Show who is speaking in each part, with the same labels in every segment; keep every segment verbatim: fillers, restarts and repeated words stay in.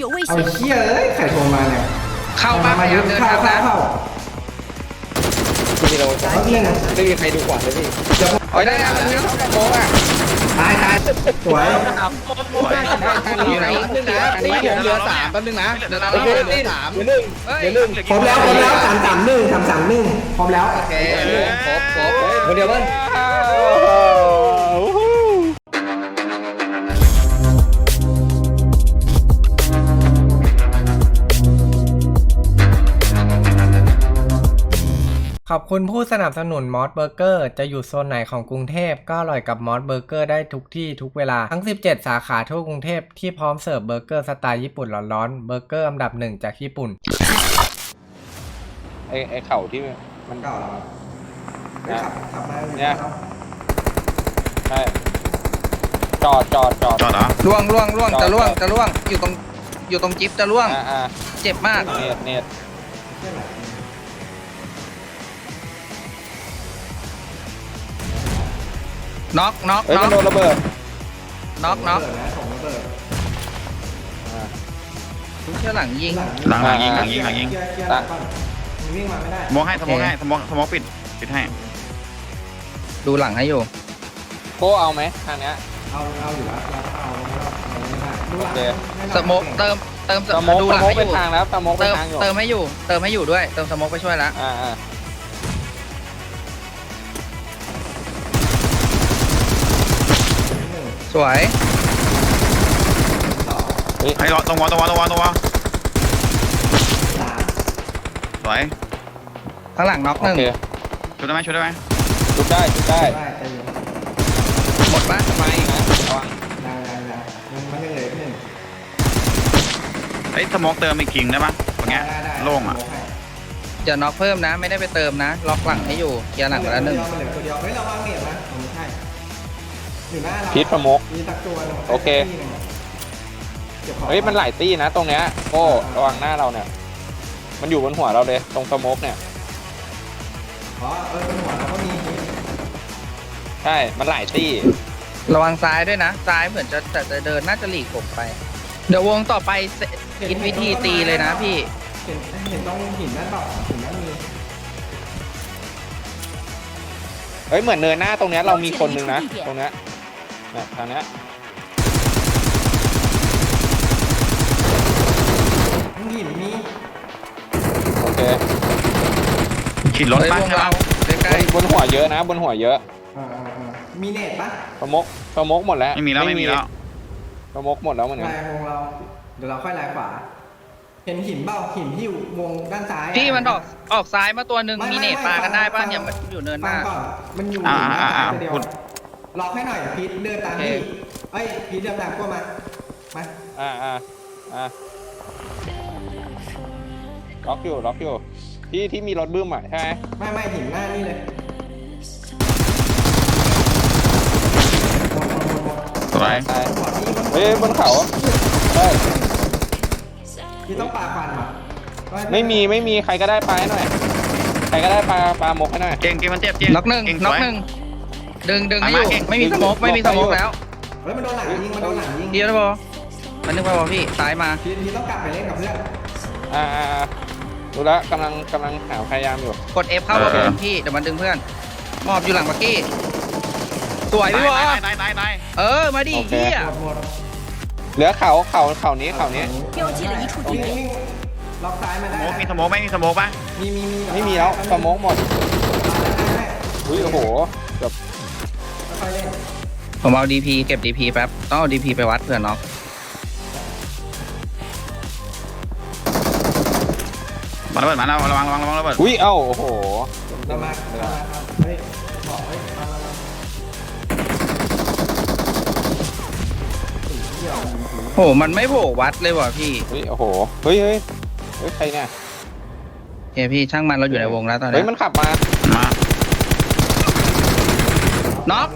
Speaker 1: 有危
Speaker 2: เอา
Speaker 1: 险！
Speaker 2: เชี่ยเอ้ยใครโทรมาเนี่ย
Speaker 3: เข้าบ้านพยายามเดิน
Speaker 2: เข้า
Speaker 3: ทาง
Speaker 2: เข้า
Speaker 3: นะ
Speaker 2: เข้า
Speaker 4: พี่เรา
Speaker 2: เอาเรื่อง
Speaker 4: ไม่มีใครดูขวานเลยพี่
Speaker 3: โอ้ยได้แล้วมันเข้าโค้งอ่ะ
Speaker 2: ตายตายสวย
Speaker 3: อยู่ไหนนึงนะ
Speaker 4: อันนี้ผมเหลือสามแป๊บนึงนะ
Speaker 3: เดี๋ยวเรา
Speaker 4: โอเค
Speaker 3: เล่น
Speaker 4: สามเหลือหนึ่งเหลือหนึ่ง
Speaker 2: พร้อมแล้วพร้อมแล้วสามสามหนึ่งสามสามหนึ่งพร้อมแล้ว
Speaker 3: โอเคครบครบ
Speaker 4: คนเดียวมั้ง
Speaker 5: ขอบคุณผู้สนับสนุนมอสเบอร์เกอร์จะอยู่โซนไหนของกรุงเทพก็อร่อยกับมอสเบอร์เกอร์ได้ทุกที่ทุกเวลาทั้งสิบเจ็ดสาขาทั่วกรุงเทพที่พร้อมเสิร์ฟเบอร์เกอร์สไตล์ญี่ปุ่นร้อนๆเบอร์เกอร์อันดับหนึ่งจากญี่ปุ่น
Speaker 6: ไอ้ไอ้เข่าที่มัน
Speaker 2: เก่าแล้วขับขับมา
Speaker 6: เนี่ยใช่จอดจอดจอด
Speaker 7: จอดเหรอ
Speaker 3: ล่วงล่วงล่วงจะล่วงจะล่วงอยู่ตรงอยู่ตรงจิ๊บจะล่วง
Speaker 6: อ่าอ่า
Speaker 3: เจ็บมาก
Speaker 6: เนียดเนียด
Speaker 3: น็อกน็อก
Speaker 6: เฮ้ย
Speaker 3: น็
Speaker 6: มั
Speaker 3: อน ก
Speaker 6: โดนระเบิด
Speaker 3: น็อกน็อก
Speaker 2: เบิดนะส่งระเบิด
Speaker 3: เชื่อหลังยิง
Speaker 7: หลังหลังยิงหลังยิงหลังยิง
Speaker 2: เคลียร์เคลียร์หลังก่อนมันวิ่งมาไม่ได้
Speaker 7: สมองให้สมองให้สมองสมองปิดปิดให้
Speaker 3: ดูหลังให้อยู่
Speaker 6: โก้เอาไหมทางเนี้ย
Speaker 2: เอาเอาอยู่แล้วเราเอาเราเอาไม่ได้ดูหลัง
Speaker 6: โอเค
Speaker 3: สโมกเติมเติม
Speaker 6: สโมก
Speaker 3: ดู
Speaker 6: ส
Speaker 3: หลัง
Speaker 6: โมก
Speaker 3: ให้อ
Speaker 6: เป็น
Speaker 3: ยู่
Speaker 6: ทางแล้วสโมกเป็
Speaker 3: เติ
Speaker 6: น
Speaker 3: ม
Speaker 6: ทางอยู่
Speaker 3: เติมให้อยู่เติมให้อยู่ด้วยเติมสโมกไปช่วยแล้ว
Speaker 6: อ่าอ่า
Speaker 3: สวย
Speaker 7: ให้รอตรงวอตรงวอตรงวอตรงวอสวย
Speaker 3: ข้างหลังน็อกห
Speaker 6: โอ
Speaker 3: นึ่ง
Speaker 6: เค
Speaker 7: ช่วยได้ไหมช่วยได้ไหม
Speaker 6: ชุดได้ชุดได้
Speaker 2: ได้ใจเย็น
Speaker 3: หมดปะ
Speaker 6: มาอีกนะระวัง
Speaker 2: ยังยังยังยังมันยังเหลืออีกหนึ่ง
Speaker 7: ไอ้สมองเติมอีกกิ่งได้ปะตรงเงี้ย
Speaker 2: ได้ได้
Speaker 7: โล่งอ่ะ
Speaker 3: เดี๋ยวน็อกเพิ่มนะ ไม่ได้ไปเติมนะ ล็อกหลังให้อยู่เคลียร์หลังไปแล้วหนึ่ง
Speaker 2: มันเหลือตัวเดียวเฮ้ยเราวางเน็ตนะไม่ใช่อยู่หน้าเรา
Speaker 6: พิษสโมก
Speaker 2: มีตักตัวหนึ่ง
Speaker 6: โอเค
Speaker 2: ก็บของ
Speaker 6: เฮ้ยมันหลายตี้นะตรงเนี้ยโก้ระวังหน้าเราเนี่ยมันอยู่บนหัวเราเลยตรงสโมกเนี่ย
Speaker 2: อ๋อเออบนหัวเราก็มี
Speaker 6: ใช่มันหลายตี้
Speaker 3: ระวังซ้ายด้วยนะ ซ้ายเหมือนจะแต่จะเดินน่าจะหลีกผมไป เดี๋ยววงต่อไปคิดวิธีตีเลยนะพี่
Speaker 2: เห็นเห็นต้องหินนั่นเปล่าหินนั่นมี
Speaker 6: เฮ้ยเหมือนเนินหน้าตรงเนี้ยเรามีคนนึงนะตรงเนี้ยเนี่ยทางเนี้ย
Speaker 2: ทั้งหินมี
Speaker 6: โอเค
Speaker 7: ขีดรถ
Speaker 3: เฮ้ย
Speaker 7: บ้าน
Speaker 3: วง
Speaker 7: ใช่
Speaker 3: เรา
Speaker 7: ปะ
Speaker 3: ใกล้
Speaker 6: บนหัวเยอะนะ บนหัวเยอะ
Speaker 2: อ่าอ่าอ่ามีเน็ตปะ
Speaker 6: สโมกสโมกหมดแล้ว
Speaker 7: ไม่มีแล้วไม่มีแล้ว
Speaker 6: สโมกหมดแล้วเหมือนกัน
Speaker 2: ลายวงเรา เดี๋ยวเราค่อยลายขวา เห็นหินเปล่าหินที่อยู่วงด้านซ้าย
Speaker 3: ๆพี่มันออกออกซ้ายมาตัวหนึ่งมีเนตปลากันได้ป่ะเนี่ยมันอยู่เนินห
Speaker 2: ฟั
Speaker 3: น้า
Speaker 2: งก่อนมันอยู่
Speaker 7: อ่า
Speaker 2: หินด้า
Speaker 7: อ่าน อ่า
Speaker 2: ซ้ายตัวเดียว
Speaker 7: พูด
Speaker 2: ล็อกให้หน่อยพีทเดินตามพี่เอ้ยพีทเดินตามพวกมามา
Speaker 6: อ่าอ่าอ่าล็อกอยู่ล็อกอยู่ที่ที่มีรถบึ้มอ่ะใช่ไหม
Speaker 2: ไม่ไม่หินหน้านี่เลย
Speaker 7: สวย
Speaker 6: ใช่
Speaker 2: ขวาพี่
Speaker 6: เฮ้ยบนเขาเฮ้ย
Speaker 2: พี่ต้องปาควันว่ะ
Speaker 6: ไม่มีไม่มีใครก็ได้ปลาให้หน่อยใครก็ได้ปลาปลาหมกให้หน่อย
Speaker 7: เก่งเก่งมันเจ็บเก่ง
Speaker 3: น็อกหนึ่ง
Speaker 7: เก่งส
Speaker 3: น็อก
Speaker 7: วย
Speaker 3: หนึ่งดึงดึงให้อ
Speaker 7: มา
Speaker 3: ยู่
Speaker 7: เก่ง
Speaker 3: ไม่มีสโมกไม่มีสโมกแล้ว
Speaker 2: เฮ้ยมันโดนหลังยิงมันโดนหลังยิง
Speaker 3: เดียวนะบอมันนึกว่าบอพี่ซ้ายมา
Speaker 2: พีทพีทต้องกลับไปเล่นกับเพื่อน
Speaker 6: อ่าอ่าอ่าดูแล้วกำลังกำลังหาพยายามอยู่
Speaker 3: กด F เข้าระเบิดพี่เดี๋ยวมันดึงเพื่อนมอบอยู่หลังบักกี้สวยพี่บอ
Speaker 7: ตายตายตายตาย
Speaker 3: เออมาดิเฮีย
Speaker 2: หมดหมด
Speaker 6: เหลือเขาเขาเขานี้เขานี้
Speaker 1: 标记了一处
Speaker 2: วิ่ง
Speaker 1: 地点，
Speaker 2: วิ่งล็อกซ้ายมา
Speaker 7: ส
Speaker 2: ได้
Speaker 7: มองมีสมองไหมมีสมองปะ
Speaker 2: มีมีมี
Speaker 6: ไม่มีแล้วสโมกหมด
Speaker 2: ได้
Speaker 6: อุ้ยโอ้โหเกือบ
Speaker 2: ค่อยๆเล่น
Speaker 3: ผมเอาดีพีเก็บดีพีแป๊บต้องเอาดีพีไปวัดเผื่อน็อก
Speaker 7: มาระเบิดมาแล้วระวังระวังระวังระเบิด
Speaker 6: อุ้ยเอ้าโอ้โห
Speaker 2: เรามาเรามาครับเฮ้ยบอกเฮ้ยมามามา
Speaker 3: โหมันไม่โผล่วัดเลยว่ะพี่
Speaker 6: เฮ้ยโอ้โหเฮ้ยเฮ้ยเฮ้ยใครเนี่ย
Speaker 3: โอเคพี่ช่างมันเราอยู่ในวงแล้วตอน
Speaker 6: เฮ้
Speaker 3: นี้
Speaker 6: ยมันขับมา
Speaker 7: มา
Speaker 3: น็อก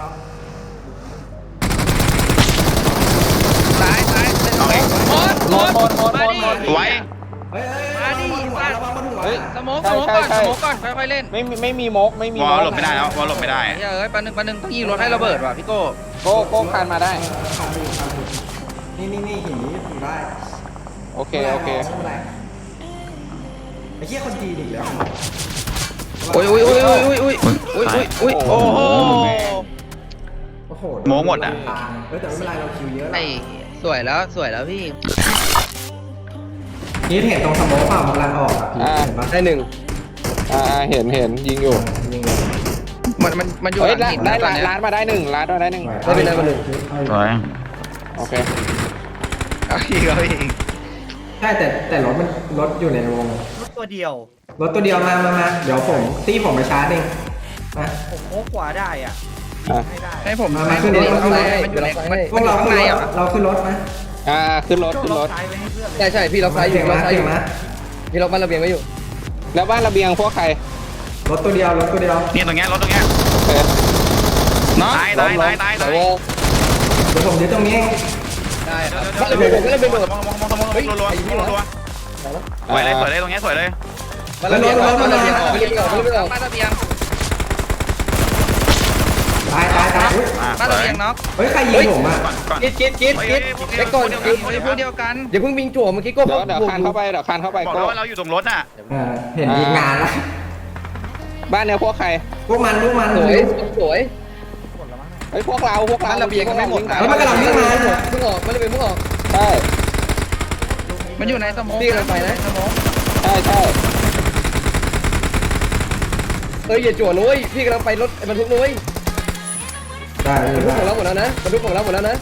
Speaker 3: ซ้ายซ้ายหมดหมดหมดมาดิ
Speaker 7: สวย
Speaker 2: เฮ้ยเฮ้ย
Speaker 3: มาดิ
Speaker 2: ระวังบนหัว
Speaker 6: เฮ้ย
Speaker 3: สโมกสโมกก่อนสโมกก่อนค่อยๆเล่น
Speaker 6: ไม่มีไม่มีมกไม่มี
Speaker 7: วอ
Speaker 6: ม
Speaker 7: ล
Speaker 6: ก
Speaker 7: หลบไม่ได้แล้ววอลหลบไม่ได้
Speaker 3: เฮ้ยเอ้ยปันหนึ่งปันหนึ่งต้องยิงรถให้ระเบิดว่ะพี่โก้
Speaker 6: โก้โก้คานมาได้
Speaker 2: ขาดอยู่ขาดอยู่นี่นี่นี่หินนี้อยู่ได้
Speaker 6: โอเคโอเค
Speaker 2: ไม่เป็นไรไอ้เหี้ยคนจีนอีกแล้ว
Speaker 3: อุ้ยอุ้ยอุ้ยอุ้ยอุ้ยอุ้ยอุ้ยอุ้ยโอ้โห
Speaker 2: โอ้โห
Speaker 7: โม้หมดอะ
Speaker 2: เออแต่ไม่เป็นไรเราคิวเยอะ
Speaker 3: ไอ้
Speaker 2: แล้ว
Speaker 3: สวยแล้วสวยแล้วพี่
Speaker 2: นี่เห็นตรงสโมองเปล่ามันกำลังออกอ่ะพี่
Speaker 6: อ่า
Speaker 2: เห็นปะ
Speaker 4: ได้หนึ่ง
Speaker 6: อ่าเห็นเห็นยิงอยู่
Speaker 2: ยิงเลย
Speaker 3: มันมันมันอยู่
Speaker 6: เฮ้ย
Speaker 3: หลังหิน
Speaker 6: ได้
Speaker 3: นะตอน
Speaker 6: ร้าน
Speaker 3: เนี้ย
Speaker 6: ร้านมาได้หนึ่งร้านมาได้หนึ่ง
Speaker 4: ได้เป็นได้มาหนึ่ง
Speaker 7: สวย
Speaker 6: โอเค
Speaker 3: เอาอีกเอาอีก
Speaker 2: ใช่แต่แต่รถมันรถอยู่ในวง
Speaker 1: รถตัวเดียว
Speaker 2: รถตัวเดียวมามามาเดี๋ยวผมตีผมไปชาร์จเองมา
Speaker 1: ผมโค้งขวาได้อ่ะ
Speaker 6: อ่ะ
Speaker 1: ไม่ได้
Speaker 3: ให้ผม
Speaker 2: มามาขึ้นรถ
Speaker 3: มันอยู่ในมันอยู่ในมัน
Speaker 2: พวกเรา
Speaker 3: ข้าง
Speaker 2: ขึ้น
Speaker 3: ใน
Speaker 2: รถ
Speaker 3: อ่ะ
Speaker 2: เราขึ้นรถไหม
Speaker 6: อ่าขึ้นรถ
Speaker 1: โจ้
Speaker 6: ขึ้น
Speaker 1: ล็
Speaker 6: ร
Speaker 1: อก
Speaker 6: ถ
Speaker 1: ซ้ายไว้ให้เพื่อนเลย
Speaker 4: ใช่ใช่พี่ล็อกซ้ายอยู่
Speaker 2: เก่ง
Speaker 4: ล็อ
Speaker 2: มาก
Speaker 4: ซ้ายอ
Speaker 2: เก่ง
Speaker 4: ยู่
Speaker 2: มาก
Speaker 4: พี่ล็อกบ้านระเบียงไว้อยู่
Speaker 6: แล้วบ้านระเบียงพวกใคร
Speaker 2: รถตัวเดียวรถตัวเดียว
Speaker 7: นี่ตรงเนี้ยรถตรงเนี้ย
Speaker 6: โอเค
Speaker 3: เนาะ
Speaker 7: ตายตายตายตายตาย
Speaker 4: โอ้
Speaker 2: เดี๋ยวผมยึดตรงนี้เอง
Speaker 4: ได้ครับบ้านระเบียงผมก็ระเบียงโดด
Speaker 7: มองมองมองมองรัวรัวรัวสวยเลยสวยเลยตรงเนี้ยสวยเลย
Speaker 4: บ้านระเบียงออกบ้านระเบียงออกบ้านระเบียงออกบ้านระเบียงออก
Speaker 3: บ้านระเบียง
Speaker 2: ตายตายตายอุ๊ย
Speaker 3: บ้านระเบียงเนาะ
Speaker 2: เฮ้ยใครยิงผมอ่ะ
Speaker 7: ก่อนก่อน
Speaker 4: กิดกิดกิดกิดไอ้ก่อน
Speaker 3: เฮ้ยพวกเดียวกัน
Speaker 4: อย่าเพิ่งบิงจั่วเมื่อกี้ก็
Speaker 6: เดี๋ยวเดี๋ยวคานเข้าไปเดี๋ยวคานเข้าไป
Speaker 7: บอก
Speaker 6: ก็
Speaker 7: แล้วว่าเราอยู่ตรงรถน่ะ
Speaker 2: เออเห็นยิงงานแล้ว
Speaker 6: บ้านเนี้ยพวกใคร
Speaker 2: พวกมันพวกมัน
Speaker 4: สวยสวย
Speaker 6: เฮ้ยพวกเราพวกเรา
Speaker 4: บ้านระเบียงกันไม่หมด
Speaker 2: เฮ้ยมันกำลังวิ่งมา
Speaker 4: เพิ่งออกบ้านระเบียงเพิ่งออก
Speaker 6: ใช่
Speaker 3: มันอยู่ในสมอง
Speaker 4: พี่กำลังไปนะ
Speaker 3: สมอง
Speaker 6: ใช่ใช่
Speaker 4: เอ้ยอย่าจั่วนุ้ยพี่กำลังไปรถบรรทุกนุ้ย
Speaker 2: ได้
Speaker 4: บรรทุก
Speaker 2: ได้
Speaker 4: ของเราหมดแล้วนะบรรทุกของเราหมดแล้วนะ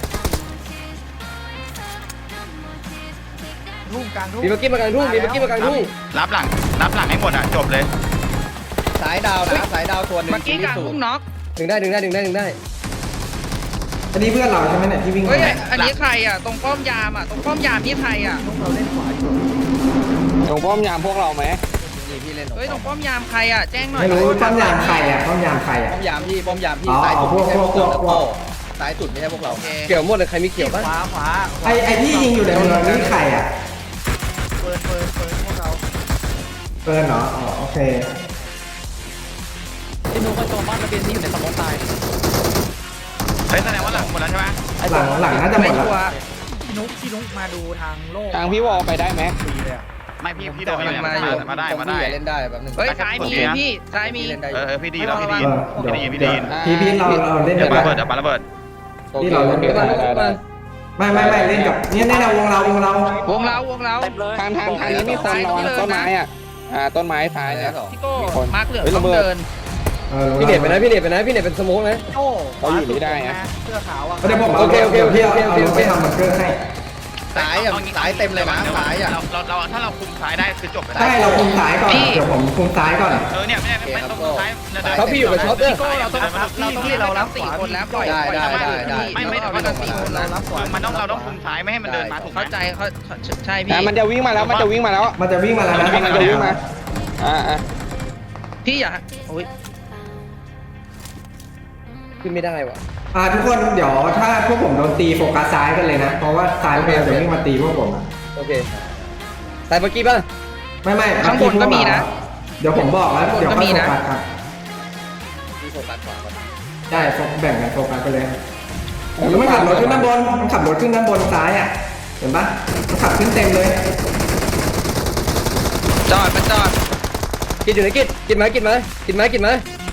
Speaker 1: รุ่งกลางรุ่ง
Speaker 4: มีเมื่อกี้มากลางทุ่งมีเมื่อกี้มากลางทุ่ง
Speaker 7: รับหลังรับหลังให้หมดอ่ะจบเลย
Speaker 4: สายดาวนะสายดาวตัวหนึ่ง
Speaker 3: เมื่อกี้กลางพุ่งน็อก
Speaker 4: ถึงได้ถึงได้ถึงได้ถึงได้
Speaker 2: อันนี้เพื่อนเราใช่ไหมเนี่ยที่วิ่ง
Speaker 3: เฮ้ย
Speaker 2: มา
Speaker 3: อันนี้ใครอ่ะตรงป้อมยามอ่ะตรงป้อมยามนี่ใครอ่ะ
Speaker 1: เราเล่นขวาอยู่
Speaker 6: ตรงป้อมยามพวกเราไหม
Speaker 4: นี่พี่เล่น
Speaker 3: เฮ้ยตรงป้อมยามใครอ่ะแจ้งหน่อย
Speaker 2: ไม่รู้ป้อมยามใครอ่ะป้อมยามใครอ่ะ
Speaker 4: ป้อมยามพี่ป้อมยามพี่
Speaker 2: อ๋อ
Speaker 4: สายสุด
Speaker 2: พวก
Speaker 4: ไม่ใช่พวก
Speaker 2: พว
Speaker 4: เรา
Speaker 2: กพวก
Speaker 4: สายสุดไม่ใช่พวกเรา
Speaker 3: โอเค
Speaker 4: เกี่ยวหมดเลยใครมีเกี่ยวบ้าง
Speaker 1: ขวาขวา
Speaker 2: ไอไอที่ยิงอยู่ในเมืองนี่ใครอ่ะ
Speaker 1: เปิดเปิดเปิดพวกเรา
Speaker 2: เฟิร์นเหรออ๋อโอเค
Speaker 4: พี่นุ๊กก็โจมบ้านระเบียงที่อยู่ในสมองตาย
Speaker 7: เฮ้ยแสดงว่าหลังหมดแล้วใช่ไหม
Speaker 2: หลังหลังน่าจะหม
Speaker 3: ไม่
Speaker 2: ดแล้ว
Speaker 3: ชัวร์
Speaker 1: พี่นุ๊กพี่นุ๊กมาดูทางโลก
Speaker 6: ทางพี่วอลไปได้ไหม
Speaker 1: ฟรีเลยอะ
Speaker 7: ไม่พี่พี่เดินมาอยู่เนี่ยมาได้มาได้
Speaker 4: เล่นได้แบบนึง
Speaker 3: เฮ้ยซ้ายมีพี่ซ้ายมี
Speaker 4: เล่นได้อ
Speaker 7: เอยู่ อพี่ดีแล้วพี่ดี
Speaker 2: เออเดี๋ยว
Speaker 7: พี่ดีพี่
Speaker 2: เดี๋
Speaker 7: ดี
Speaker 2: ยวพี่พี่เราเราเล่น
Speaker 7: เดี๋
Speaker 2: กั
Speaker 7: ยวน ปา
Speaker 2: ได้
Speaker 7: ระเบิดเดี๋ยวปาระเบิด
Speaker 2: ที่เราเล่นกันได้
Speaker 6: ได้ได้
Speaker 2: ไม่ไม่ไม่เล่นกับเนี่ยแน่ๆวงเราวงเรา
Speaker 3: วงเราวงเรา
Speaker 6: ทางทางทางนี้มีคนระวังต้นไม้อ่ะอ่าต้นไม้ท้ายเนี่ย
Speaker 3: พี่โก้
Speaker 6: มีคน
Speaker 3: มาร์คเหลือง
Speaker 6: เฮ้ย
Speaker 3: ต้
Speaker 6: ระ
Speaker 3: อง
Speaker 6: เบิด
Speaker 3: เดิน
Speaker 2: ออรู้
Speaker 4: พี่เน็ตไป
Speaker 2: แล้ว
Speaker 4: นะพี่เน็ตไปนะพี่เน็ตเป็นสโมกนะ
Speaker 1: โอ้ข
Speaker 6: เขา
Speaker 1: วา
Speaker 6: อยู่
Speaker 1: สุด
Speaker 6: นี่ได้อะ
Speaker 1: นะเสื้อขาวอ่ะ
Speaker 2: เดี๋ยวผมเอา
Speaker 4: โอเคโอเคโอเค
Speaker 2: ดี๋ยวพี่
Speaker 4: โอเค
Speaker 2: เอา
Speaker 4: โอเค
Speaker 2: เอาไปทำบังเกอร์ให้
Speaker 4: สายอ่ะสายเต็มเลยนะสายอ่ะ
Speaker 7: เราเราเราถ้าเราคุมซ้ายได้คือจบไป
Speaker 2: ใช่เราคุมซ้ายก่อนเดี๋ยวผมคุมซ้ายก่อน
Speaker 7: เออเนี่ยไม่ได้ไม่ต้องคุมซ้าย
Speaker 4: เขาพี่อยู่กับช็อปเด้อ
Speaker 3: พี่โก้เราต้องเราต้องเล่นเรารับสี่คนแล้วปล่อย
Speaker 4: ได้
Speaker 3: ปล่อย
Speaker 4: ได้
Speaker 3: สามารถ
Speaker 4: ได้
Speaker 3: ไม่ไม่
Speaker 4: ได้
Speaker 3: ไม่ต้องสี่คนแล้ว
Speaker 7: มันต้องเราต้องคุมซ้ายไม่ให้มันเดินมาถูกไหม
Speaker 3: เข้าใจเขาใช่พี่
Speaker 6: อ่ามันจะวิ่งมาแล้วมันจะวิ่งมาแล้ว
Speaker 2: มันจะวิ่งมาแล้วนะ
Speaker 6: มันจะวิ่งมาอ่าอ่า
Speaker 3: พี่อย่าโอ้ย
Speaker 4: ขึ้นไม่ได้ว่ะ
Speaker 2: อ่าทุกคนเดี๋ยวถ้าพวกผมโดนตีโฟกัสซ้ายกันเลยนะ เพราะว่าซ้ายพวกเราจะวิ่งมาตีพวกผมอะ
Speaker 4: โอเคสายเมื่อกี้ป่ะ
Speaker 2: ไม่ไม่
Speaker 3: ข้างบนก็มีนะ
Speaker 2: เดี๋ยวผมบอกแล้วเดี๋ยว
Speaker 3: ข้างบนก็
Speaker 2: ค่
Speaker 3: มี
Speaker 2: อยโฟ
Speaker 3: นะ
Speaker 2: กัสครับ
Speaker 4: พี่โฟกัสขวาก่อน
Speaker 2: ได้แบ่งกันโฟกัสไปเลยแล้วมันขับรถขึ้นด้านบนมันขับรถขึ้นด้านบนซ้ายอ่ะเห็นปะมันขับขึ้นเต็มเลย
Speaker 3: จอดมันจอด
Speaker 4: กินอยู่ไหนกินกินไหมกินไหมกินไหมกินไหม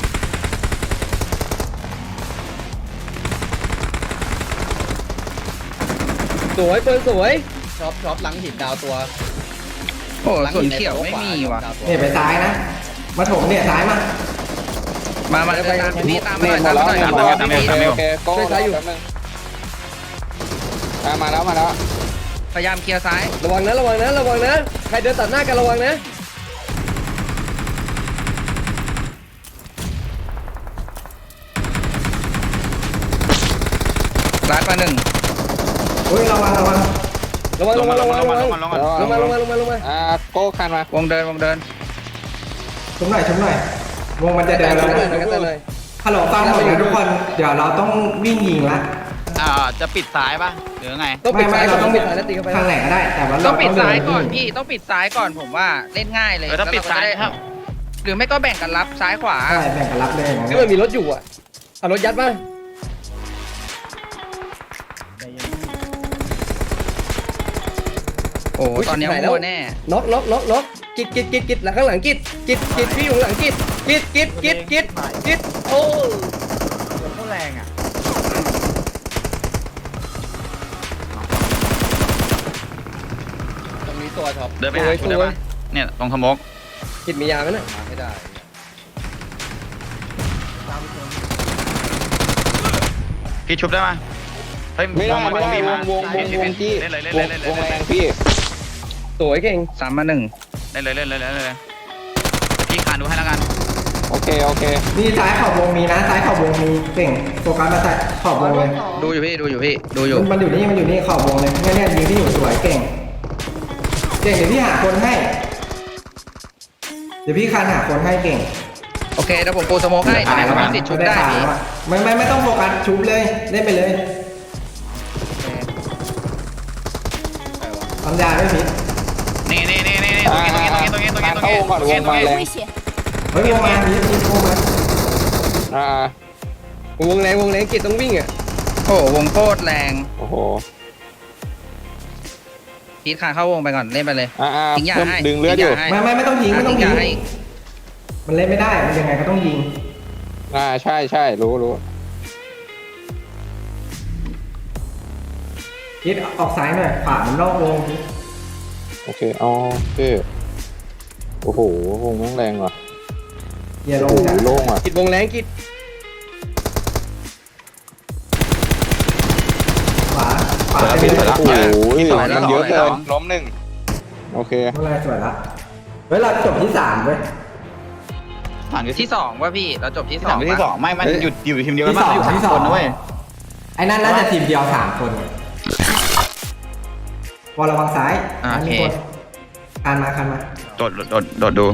Speaker 4: สวยเปิดสวยช็อปช็อปหลังหินดาวตัว
Speaker 3: โอ้ส่วนเขียวไม่มีว่ะ
Speaker 2: เนี่ยไปซ้ายนะ มาถมเนี่ยซ้ายมา
Speaker 3: มามาตามพี่ตามมา
Speaker 6: เน็
Speaker 3: หน่
Speaker 6: ต
Speaker 3: อย
Speaker 6: หม
Speaker 3: ตา
Speaker 6: ด
Speaker 3: ม
Speaker 6: แล้ว
Speaker 3: มาหน่อย
Speaker 6: เน็ตหมด
Speaker 3: พี่
Speaker 6: แล้วโอเคโก้แป๊บนึงอ่ามาแล้วมาแล้ว
Speaker 3: พยายามเคลียร์ซ้าย
Speaker 4: ระวังนะระวังนะระวังนะใครเดินตัดหน้ากันระวังนะ
Speaker 3: ซ้ายมาหนึ่ง
Speaker 2: เฮ้ยระวังระวัง
Speaker 4: ระวัง
Speaker 7: ล
Speaker 4: ระ
Speaker 7: ง
Speaker 4: วั
Speaker 7: มาง ล
Speaker 4: ระ
Speaker 7: ง
Speaker 4: วั
Speaker 7: มาง ล
Speaker 4: ระ
Speaker 7: ง
Speaker 4: วัง
Speaker 7: มาลงมาลงมา
Speaker 4: ลงมาลงมาลงมาลงมา
Speaker 6: อ่าโก้คันมาว
Speaker 3: งเดินวงเดิน
Speaker 2: ชุบหน่อยชุบหน่อย วงมันจะเดินแล้ว
Speaker 4: เลย
Speaker 2: นะ
Speaker 4: กันเลย
Speaker 2: ฮัลโหลฟังผมนะทุกคน เดี๋ยวเราต้องวิ่งยิงละ
Speaker 7: อ่าจะปิดซ้ายป่ะหรือไง
Speaker 4: ต้องปิด
Speaker 2: ไม่
Speaker 4: ซ้าย
Speaker 2: ไม่
Speaker 4: เรา
Speaker 2: เรา
Speaker 4: ต้
Speaker 2: ต้
Speaker 4: อ
Speaker 2: อง ง
Speaker 4: ปิดซ้ายแล้วตีเข้าไป
Speaker 2: ทางไหนก็ได้ แต่ว่าเรา
Speaker 3: ต้องปิดซ้ายก่อน
Speaker 2: เดิ
Speaker 3: พี่ต้องปิดซ้ายก่อนผมว่าเล่นง่ายเลย
Speaker 7: เออถ้าปิดซ้ายครับ
Speaker 3: หรือไม่ก็แบ่งกันรับซ้ายขวา
Speaker 2: ใช่แบ่งกันรับเลยอย่าง
Speaker 4: ที่
Speaker 2: นั้น
Speaker 4: มันมีรถอยู่อ่ะเอารถยัดมา
Speaker 1: ใจเย็น
Speaker 3: อ้ตอนเนี้ยวัวแน่
Speaker 4: น็อกน็อกน็อกน็อกกิดกิดกิดกิดหลังข้างหลังกิดกิดกิดพี่อยู่หลังกิดกิดกิดกิดกิดกิดโอ้
Speaker 1: หัวเขาแรงอ่ะ
Speaker 4: ตรงนี้ตัวท็อป
Speaker 7: เดินไปหาชุดได้ปะเนี่ยตรงสโมก
Speaker 4: กิดมียาไหมน่ะไม่ได้
Speaker 7: พี่ชุบได้ปะเฮ้ย
Speaker 6: ไม่ได้
Speaker 7: วง
Speaker 6: ไม่ได้
Speaker 7: มี
Speaker 6: ว
Speaker 7: มาง
Speaker 6: วงวงวงที่
Speaker 7: เล่นเลยเล่น
Speaker 6: ว
Speaker 7: เลย
Speaker 6: ง
Speaker 7: เล่นเลยว
Speaker 6: งแรงพี่
Speaker 4: สวยเก่ง
Speaker 3: สามมาหนึ่ง
Speaker 7: เล่นเลยเล่นเลยเล่นเลยพี่ขานดูให้แล้วกัน
Speaker 6: โอเคโอเค
Speaker 2: นี่ซ้ายขอบวงมีนะซ้ายขอบวงมีเก่งโฟกัสมาใส่ขอบวงเลย
Speaker 3: ดูอยู่พี่ดูอยู่พี่ดูอยู่
Speaker 2: มันมันอยู่นี่มันอยู่นี่ขอบวงเลยเนี่ยเนี่ยยิงที่อยู่สวยเก่งเก่งเดี๋ยวพี่หาคนให้ เดี๋ยวพี่คานหาคนให้เก่ง
Speaker 3: โอเคเดี๋ยวผมปูสโมกให้เดี๋ยวให้เขามีสิทธิ์ชุบได้พี่
Speaker 2: แล้วอะไม่ไม่ไม่ต้องโฟกัสชุบเลยเล่นไปเลยทำยาด้วยพี่
Speaker 7: นี่นี่นี่นี่ตรงนี้ตรงนี้ตรงนี้ตรงนี้ตรงนี้ตรงนี้
Speaker 6: เข้าวงก่อนวงมาแรง
Speaker 8: 危险！
Speaker 2: เฮ้ยวงมาพี่พี่วงมา
Speaker 6: อ่าว
Speaker 4: งแรงวงแรงกิดต้องวิ่งอ่ะ
Speaker 3: โอ้โหวงโคตรแรง
Speaker 6: โอ้โห
Speaker 3: พีทคานเข้าวงไปก่อนเล่นไปเลย
Speaker 6: อ่าอ่า
Speaker 3: ทิ้งยา
Speaker 6: เพิ่ม
Speaker 3: ให้
Speaker 6: ดึงเลือดอยู่
Speaker 3: ทิ้
Speaker 2: ไม่ไม่ไม่ต้องยิงไม่ต้อง
Speaker 3: ทิ้
Speaker 2: ยิ
Speaker 3: ยาง ให้
Speaker 2: มันเล่นไม่ได้มันยังไงก็ต้องยิง
Speaker 6: อ่าใช่ใช่รู้รู้
Speaker 2: คิดออกซ้ายหน่อยขวามันนอกวงพี่
Speaker 6: โอเคอ๋อโอเคโอ้โหวงแม่งแรงว่ะ
Speaker 2: อย่าล
Speaker 6: โอ้
Speaker 2: ง
Speaker 6: โห
Speaker 2: จ้ะ
Speaker 6: โล่งว่ะ
Speaker 4: กิดวงแรงกิด
Speaker 2: ขวาขวา
Speaker 6: แล้ว
Speaker 2: ไป
Speaker 6: พี่
Speaker 2: เลย
Speaker 6: โอ้โห
Speaker 7: สวยแล้ว
Speaker 6: มันเยอะ
Speaker 7: สวยแล้
Speaker 6: เกิ
Speaker 7: ว
Speaker 6: นล้มหนึ่งโอเค
Speaker 2: เมื่อไรสวยละเฮ้ยเราจบที่สามเว้ย
Speaker 7: ผ่านที่
Speaker 3: ที่สองว่าพี่เราจบที่
Speaker 7: ที่
Speaker 3: ส
Speaker 7: ส
Speaker 3: อ
Speaker 7: อง งที่สองไม่มันหยุดอยู่ทีมเดียวกัน
Speaker 2: ที่สอง
Speaker 7: อยู่สาม
Speaker 2: ที่สอง
Speaker 7: คนนะเว้ย
Speaker 2: ไอ้นั่นน่าจะทีมเดียวสามคนวอลระวังซ้าย
Speaker 3: อ่าโอเค
Speaker 2: มีคนคานมาคานมา
Speaker 7: โดดโดดโดดดู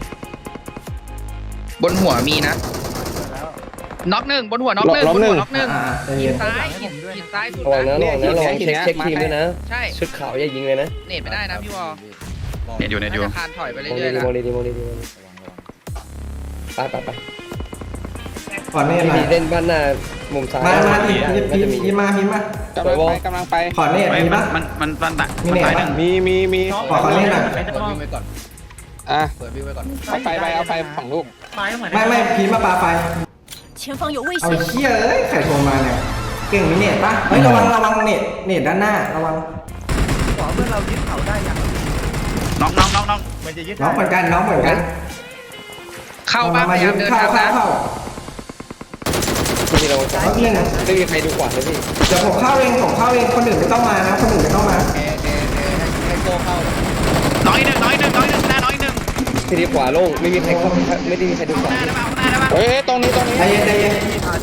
Speaker 3: บนหัวมีนะน็อกหนึ่งบนหัวน็อกหนึ่งบนหัวน็อกหนึ่ง
Speaker 2: อ่าใจ
Speaker 3: หิ
Speaker 2: เย็
Speaker 3: น
Speaker 2: น
Speaker 3: ซ้ายหินหินซ้ายสุด
Speaker 4: ระวังนะ
Speaker 3: นะ
Speaker 4: ระวังนะระวังเช็คเช็คทีมด้วยนะ
Speaker 3: ใช่
Speaker 4: ชุดขาวอย่ายิงเลยนะ
Speaker 3: เน็ตไม่ได้นะพี่วอล
Speaker 7: เน็ตอยู่เน็ตอยู่
Speaker 3: น่าจะคานถอยไป
Speaker 4: มอง
Speaker 3: เรื่อยๆ
Speaker 4: ดี
Speaker 3: นะ
Speaker 4: มองดีมองดีมองดีไปไปไป
Speaker 2: ก่อนเน่
Speaker 4: พี่
Speaker 2: มา
Speaker 4: ดีเล่นบ้านหน้ามุมซ้าย
Speaker 2: มามาพี่
Speaker 4: น่า
Speaker 2: พี่
Speaker 4: จะมี
Speaker 2: พี่มาพี่มาก
Speaker 6: ำลังไปกำลังไป
Speaker 2: ขอเน่
Speaker 7: เฮ้ย
Speaker 2: มี
Speaker 7: มัน
Speaker 2: ปะ
Speaker 7: มันมันมันตัก
Speaker 2: มี
Speaker 7: มัน
Speaker 2: เน็ต
Speaker 7: สายห
Speaker 2: ปะ
Speaker 7: นึ่ง
Speaker 6: มีมีมี
Speaker 2: ขอขอเน่หน่อย
Speaker 4: เปิดวิ่งไปก่อน
Speaker 6: อ่ะ
Speaker 4: เปิดวิ่งไปก่อน
Speaker 6: เอาไฟไปเอาไฟฝั่งลูก
Speaker 2: ไม่ไม่พี่มาปาไฟ
Speaker 8: 前方有危
Speaker 2: เอา
Speaker 8: 险！
Speaker 2: เชี่ยเอ้ยใครโทรมาเนี่ยเก่งมีเน็ตปะเฮ้ยระวังระวังเน็ตเน็ตด้านหน้าระวัง
Speaker 1: ขวาเพื่อนเรายึดเขาได้ยัง
Speaker 7: น้องน้องน้องน้อง
Speaker 1: มันจะยึด
Speaker 2: น้องเหมือนกันน้องเหมือนกัน
Speaker 3: เข้าบ้านพยายามเดิน
Speaker 2: เข้า
Speaker 3: ทาง
Speaker 2: เข้า
Speaker 3: นะ
Speaker 2: เข้า
Speaker 4: พี่เราซ้าย
Speaker 2: เอาเอง
Speaker 4: ไม่มีใครดูขวาเลยพี่
Speaker 2: เดี๋ยวผมเข้าเองผมเข้าเองคนอื่นไม่ต้องมานะคนอื่นไม่ต้องมา
Speaker 4: เอเอเอให้โก้เข้า
Speaker 7: น้อยหนึ่งน้อยหนึ่งน้อยหนึ่งหน้าน้อยหนึ่ง
Speaker 4: ทีนี้ขวาโล่งไม่มีใครเข้าไม่ได้มีใครดูขวา
Speaker 7: หน้าได้ปะหน้าได้ปะ
Speaker 6: เฮ้ยตรงนี้ตรงนี้
Speaker 2: ใจเย็นใจเย็น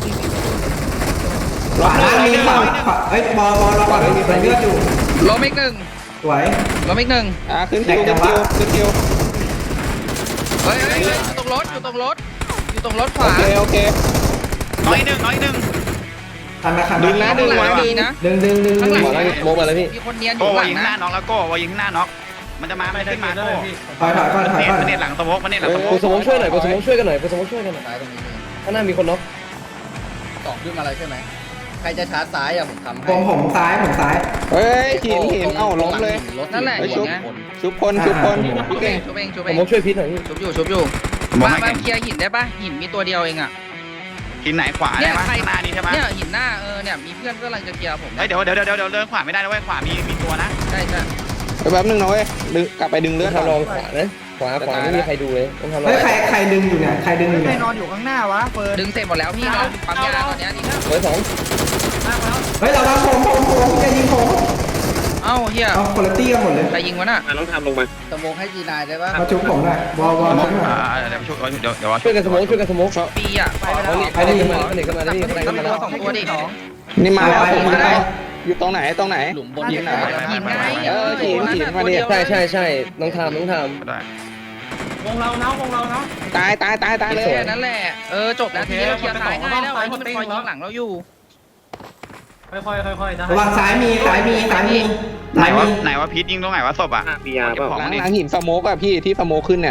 Speaker 2: ขวาล่างมีขวาขวาเอ้ยบอลบอลระวังมีคนเลือดอยู่
Speaker 3: ล้มอีกหนึ่ง
Speaker 2: สวย
Speaker 3: ล้มอีกหนึ่ง
Speaker 6: อ่ะขึ้นคิวขึ้นคิวขึ้นคิว
Speaker 3: เฮ้ยเฮ้ยเฮ้ยอยู่ตรงรถอยู่ตรงรถอยู่ตรงรถข
Speaker 6: โอ
Speaker 3: วา
Speaker 6: เคโอเค
Speaker 7: น้อยหนึ่งน้อยหนึ่ง
Speaker 2: คันมาคัน
Speaker 6: ดึ
Speaker 2: มาง
Speaker 6: นะ
Speaker 3: ข้างหลังมีนะ
Speaker 2: ดึงดึงดึง
Speaker 3: ข้างหลัง
Speaker 4: ขวาล่างโมมาแล้วพี่
Speaker 3: มีคนเนียนอ
Speaker 7: โก้
Speaker 3: ยู่ห
Speaker 7: วา
Speaker 3: ลัง
Speaker 7: ยิงหน้า
Speaker 3: นะ
Speaker 7: น็อกแล้วโก้วายิงข้างหน้าน็อกมันจะมามันขึ้นมาโก้
Speaker 2: ถอยถอยก่อนถอย
Speaker 7: เน็ต
Speaker 2: ก่อน
Speaker 7: มันเน็ตหลังสโมกมันเน็ตหลังสโม
Speaker 4: กู
Speaker 7: ก
Speaker 4: สมองช่วยหน่อยกูสมองช่วยกันหน่อยกูสมองช่วยกันหน่อยข้างหน้ามีคนน็อกตอบขึ้นมาอะไรใช่ไหมใครจะชาร์จซ้ายอ่ะผมทำให้
Speaker 2: ผมผมซ้ายผมซ้าย
Speaker 6: เฮ้ยหินหินเอ้าล้มเลย
Speaker 3: นั่นแหละ
Speaker 6: ไอ้
Speaker 3: อ
Speaker 6: ชุ
Speaker 3: ย่า
Speaker 6: บ
Speaker 3: งเงี้ย
Speaker 6: ชุบคนชุบคน
Speaker 3: ชุบ
Speaker 6: พี่
Speaker 3: เอ
Speaker 6: เก่
Speaker 3: ง
Speaker 6: ง
Speaker 3: ชุบเองชุบ
Speaker 4: ส
Speaker 3: เอง
Speaker 4: มองช่วยพิษหน่อยพี่
Speaker 3: ชุบอยู่ชุบอยู่
Speaker 7: มอง
Speaker 3: บ้าน
Speaker 7: ให้
Speaker 3: บ้า
Speaker 7: แข่
Speaker 3: น
Speaker 7: ง
Speaker 3: เคลียร์หินได้ปะหินมีตัวเดียวเองอ่ะ
Speaker 7: หินไหนขวา
Speaker 3: เนี่
Speaker 7: ได้
Speaker 3: ย
Speaker 7: ปะ
Speaker 3: ใคร
Speaker 7: ข้างหน้านี้ใช่ปะ
Speaker 3: เนี่ยหินหน้าเออเนี่ยมีเพื่อนกำลังจะเคลียร์ผม
Speaker 7: เฮ้ยเดี๋ยวเดี๋ยวเดี๋ยวเดี๋ยวเดินขวาไม่ได้นะเว้ยขวามีมีตัวนะ
Speaker 3: ใช่ใช่
Speaker 6: เดี๋ยวแป๊บนึงนะเว้ยดึงกลับไปดึงเลือด
Speaker 4: ต้
Speaker 6: ก่
Speaker 4: อ
Speaker 6: อง น
Speaker 4: ทำลองขวานะขวาขวาไม่มีใครดูเลยต้องทำลอง
Speaker 2: เฮ้ยใครใครดึงอยู่เนี่ยใครดึงอยู่
Speaker 1: ใคร
Speaker 2: เนี่ย
Speaker 1: นอนอยู่ข้างหน้าวะเฟิร์น
Speaker 3: ดึงเสร็จหมดแล้วพี่นอนปั๊มยาตอนเนี้ยนี่
Speaker 4: เบอร์สอง
Speaker 2: เฮ้ยระวังผมผมผมอย่ายิงผม
Speaker 3: เอ้าเฮีย
Speaker 2: เอาคุณภาพกันหมดเลย
Speaker 3: ใครยิงวะน่ะ
Speaker 4: สมองให้จีนายได้ปะ
Speaker 2: มาจุบผมหน่อยบอลบอล
Speaker 7: สโม
Speaker 2: ชุ
Speaker 7: ก
Speaker 2: บหน่อย
Speaker 7: อ่าเดี๋ยวช่วยเดี๋ยวเดี๋ยว
Speaker 4: ช่วยกันสมองช่วยกันสมอง
Speaker 3: ปีอ่ะ
Speaker 4: ไปเลยขึ้นมาขึ้นมาแล้วพี่ขึ้นมา
Speaker 3: ต้
Speaker 4: แล้
Speaker 3: อ
Speaker 4: ว
Speaker 3: งตัวสองตัวดิ
Speaker 6: นี่มาแล้ว
Speaker 2: ไป
Speaker 6: ผม
Speaker 2: ไป
Speaker 6: มา
Speaker 2: ไป
Speaker 6: แล้วอยู่ตรงไหนตรงไหน
Speaker 4: หลุมบน
Speaker 3: หิน
Speaker 4: ไหน
Speaker 3: หินไง
Speaker 6: เออหินหินมาดิ
Speaker 4: ใช่ใช่ใช่น้องทามน้องทาม
Speaker 7: ได้
Speaker 6: ตายตายตายตายเลย
Speaker 3: แค่นั้นแหละเออจบแล้วทีนี้เราเคลียร์ซ้ายง่ายแล้วไอ้ที่มันคอยยิงหลังเราอยู่
Speaker 2: ระวังซ้ายมีซ้ายมีซ้ายมี
Speaker 7: ไหน
Speaker 2: ซ้ายว
Speaker 7: ะ
Speaker 2: มี
Speaker 7: ไหนวะพีทยิงตรงไหนวะศพอ่ะมียาเปล่า
Speaker 6: หลังหลังหินสโมกอะพี่ที่สโมกขึ้นเนี่ย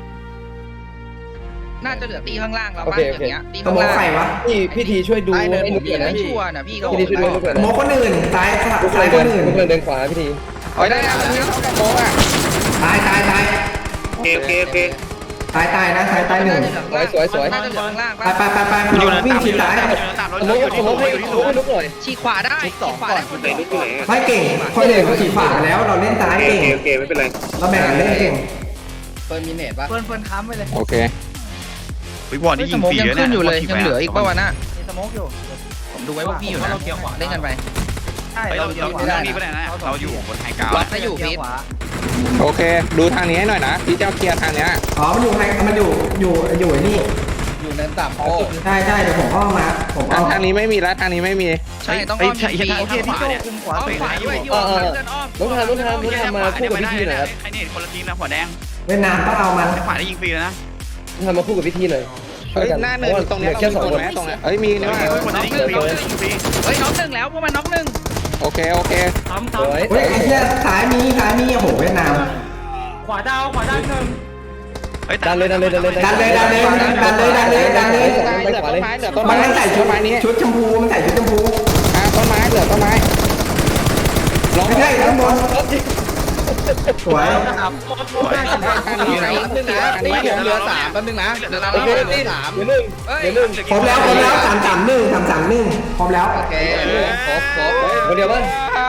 Speaker 3: น่าจะเหลือตีข้างล่างเราบ้างอย่างเงี้ยตี
Speaker 2: ส
Speaker 3: ข้าง
Speaker 2: มอง
Speaker 3: ล่าง
Speaker 2: ใครวะ
Speaker 4: พี่พี่ทีช่วยดู
Speaker 3: ไอ้
Speaker 4: ให้หมด
Speaker 3: พี่
Speaker 4: เลย
Speaker 3: ไม่
Speaker 4: นะพี่
Speaker 3: ชัวร์นะพี่ก็
Speaker 4: พี่ทีช่วยดูให้หมด
Speaker 2: สมองคนอื่นซ้าย
Speaker 4: ทุกค
Speaker 2: ซ้าย
Speaker 4: น
Speaker 2: ค
Speaker 4: เดิน
Speaker 2: นอื่น
Speaker 4: ทุกคนเดินขวาพี่ที
Speaker 6: โอ้ยได้แล้วมันเข้าสโมกอ่ะ
Speaker 2: ตายตายตาย
Speaker 7: โอเคโอเคโอเค
Speaker 2: ตายตายนะตายตายหนึ่ง
Speaker 3: น่าจะเหลือข้างล่าง
Speaker 2: ไป
Speaker 3: ปะ
Speaker 2: ไปไปไป
Speaker 7: มันอยู่ใน
Speaker 2: วิ่ง
Speaker 7: ตาม
Speaker 2: ชิดซ้าย
Speaker 7: มันอยู่ในตามรถ
Speaker 4: สมมติ
Speaker 7: อยู่
Speaker 4: ส
Speaker 7: ที่
Speaker 4: ม
Speaker 7: สู
Speaker 4: ม
Speaker 7: ง
Speaker 4: ติ
Speaker 7: อยู่ที่สูง
Speaker 4: ให้ลุกให้ลุกหน่อย
Speaker 3: ฉีกขวาได้ฉีกขวาได้
Speaker 7: คุณไหนลูกที่ไหน
Speaker 2: ไม่เก่งคนอื่นเขาฉีดฝาไปแล้วเราเล่นซ้าย
Speaker 7: โอเค
Speaker 2: เก่ง
Speaker 7: โอเคไม่เป็นไร
Speaker 2: เราแบ่งกันเล่นเก่ง
Speaker 4: เฟิร์นมีเนตปะ
Speaker 1: เฟิร์นเฟิร์นค้ำไปเลย
Speaker 6: โอเค
Speaker 7: วิวอร์ด
Speaker 3: เฮ้
Speaker 7: นี่
Speaker 3: ย
Speaker 7: ยิ
Speaker 3: ส
Speaker 7: ง
Speaker 3: โมก
Speaker 7: ฟรี
Speaker 3: ยัง
Speaker 7: เลย
Speaker 3: ขึ้นอยู่เลย
Speaker 7: นี่
Speaker 3: ยังเหลืออีกป่าวะน่ะ
Speaker 1: มีสโมกอยู่
Speaker 3: ผมดูไว้พวกพี่อยู่นะเล่นกันไป
Speaker 1: ใช่
Speaker 7: เฮ้ย
Speaker 1: เรา
Speaker 7: เรา
Speaker 1: เรา
Speaker 7: เราเรานี่ก็ได้นะเราอยู่บนไฮกราว
Speaker 3: ล็อก
Speaker 7: ด์
Speaker 3: ให้อยู่พีท
Speaker 1: ขวา
Speaker 6: โอเค ดูทางนี้ให้หน่อยนะพี่เจ้าเคลียร์ทางเนี้ย
Speaker 2: อ๋อมันอยู่ไฮมันอยู่อยู่อยู่ไอ้นี่
Speaker 4: อยู่เนินต่ำโอ้
Speaker 2: ใช่ใช่เดี๋ยวผมอ้อมมาผมอ้
Speaker 6: ทา
Speaker 2: อง ม
Speaker 6: ทางนี้ไม่มีแล้วทางนี้ไม่มี
Speaker 3: ใช่ต้องอ้อมพี
Speaker 1: โอเคพี่โจคุมขวา
Speaker 3: อ้อม
Speaker 1: ไป
Speaker 3: ขวาด้วยที่
Speaker 4: เอ
Speaker 3: ว่า
Speaker 4: อเออ
Speaker 3: เพื่อนอ้อม
Speaker 4: น้องทามน้องทามน้องทามมาคู่กับพิธีหน่อยครับ
Speaker 7: ใครเนี่ยคนละทีมนะหัวแดง
Speaker 2: เวียดนามต้องเอามัน
Speaker 7: ขวาได้ยิงฟรีเลยนะ
Speaker 4: น้องทามมาคู่กับพิธีหน่อย
Speaker 6: เฮ้ยหน้าเนินตรงเนี้ย
Speaker 4: แค่
Speaker 6: เรา
Speaker 4: ส
Speaker 6: มี
Speaker 4: อง
Speaker 6: คน
Speaker 4: คน
Speaker 6: ไหมตรงเนี้ยเฮ้ยมีนี่ว่า
Speaker 7: คนจะยิงฟรีคนจะยิงฟรี
Speaker 3: เฮ้ยน็อกหนึ่งแล้วพวกมันน็อกหนึ่ง
Speaker 6: โอเคโอเค
Speaker 4: สวย
Speaker 2: เฮ้ยไอ้เหี้ยซ้ายมีซ้ายมีโอ้โหเวียดนาม
Speaker 7: เฮ้ย
Speaker 4: ดันเลยดันเลยดันเลย
Speaker 2: ดันเลยดันเลยดันเลยดันเลยดันเลย
Speaker 6: เหลือต้นไม้เหลือต้น
Speaker 2: มั
Speaker 6: ไม้
Speaker 2: นใส่ชุ
Speaker 6: ต้
Speaker 2: ด
Speaker 6: นไม้นี้
Speaker 2: ชุดชมพูมันใส่ชุดชมพู
Speaker 6: อ่าต้นไม้เหลือต้นไม้ลง
Speaker 2: ไม่ใช่ข้างบนสวย
Speaker 6: ทางนี้ไหน
Speaker 4: นึงนะ
Speaker 6: ทาง
Speaker 4: นี่
Speaker 6: นี้
Speaker 4: ผมเหลือสามแป๊บนึงนะ
Speaker 3: เดี๋ยวเรา
Speaker 4: โอเคนี่สามเหลือหนึ่งเหลือหนึ่ง
Speaker 2: ครบแล้วครบแล้วสามสามหนึ่งสามสามหนึ่งครบแล้ว
Speaker 4: โอเคครบครบคนเดียวป่ะ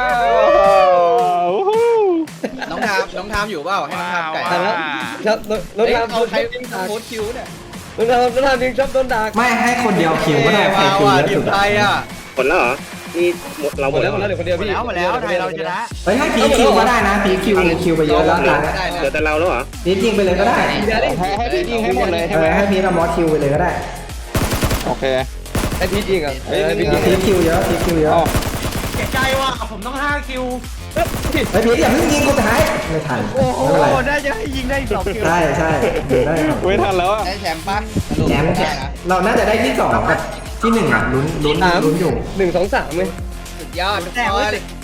Speaker 4: น้องทามน้องทามอยู่เปล่าให้น้องทามไก่
Speaker 7: ว้าว
Speaker 4: ครับน้องทามเอาใครวิ่งโค้ดคิวเนี่ยน้องทามน้องทามยิงชอบต้นดาก
Speaker 2: ไม่ให้คนเดียวคิวก็ได้ใครคิวเยอะสุด
Speaker 4: ไทยอ่ะ
Speaker 7: หมดแล้วเหรอนี่หมดเรา
Speaker 4: ห
Speaker 7: ห
Speaker 4: ม
Speaker 7: ม
Speaker 4: ด
Speaker 7: ด
Speaker 4: แล้
Speaker 7: แล้ว ว
Speaker 4: หมดแล้วเดี๋ยวคนเดียว
Speaker 1: หมด
Speaker 4: พี่
Speaker 1: แล้วหมดแล้วไทยเราชนะ
Speaker 2: เฮ้ยให้พีคิวก็ได้นะพีคิวคิวไปเยอะแล้วกัน
Speaker 4: ได้นะ
Speaker 7: เหลือแต่เราแล้วเหรอ
Speaker 2: พียิงไปเลยก็ได้
Speaker 6: ให้ให้พี่ยิงให้หมดเลย
Speaker 2: เอ
Speaker 6: ใช่ไหม
Speaker 2: อให้พีกับมอสคิวไปเลยก็ได้
Speaker 6: โอเค
Speaker 4: ให้พียิงอ่ะให้พียิง
Speaker 2: พีคิวเยอะพีคิวเยอะ
Speaker 6: อ๋อ
Speaker 2: เฮ้ยพีอย่าเพิ่งยิงกูท้ายไม่ทัน
Speaker 1: โอ้โห
Speaker 2: ไม่เป็นไร
Speaker 1: ได้จะให้ยิงได้สองคิว
Speaker 2: ใช่ใช่ได้ครับ
Speaker 6: ไม่ทันแล้วอ่ะ
Speaker 4: ได้แชมป์ปั้น
Speaker 2: แชมป์เราน่าจะได้ที่สองกับที่หนึ่งอ่ะลุ้นลุ้นลุ้นอยู่
Speaker 4: หนึ่งสองสามเลยสุดยอดทุกคน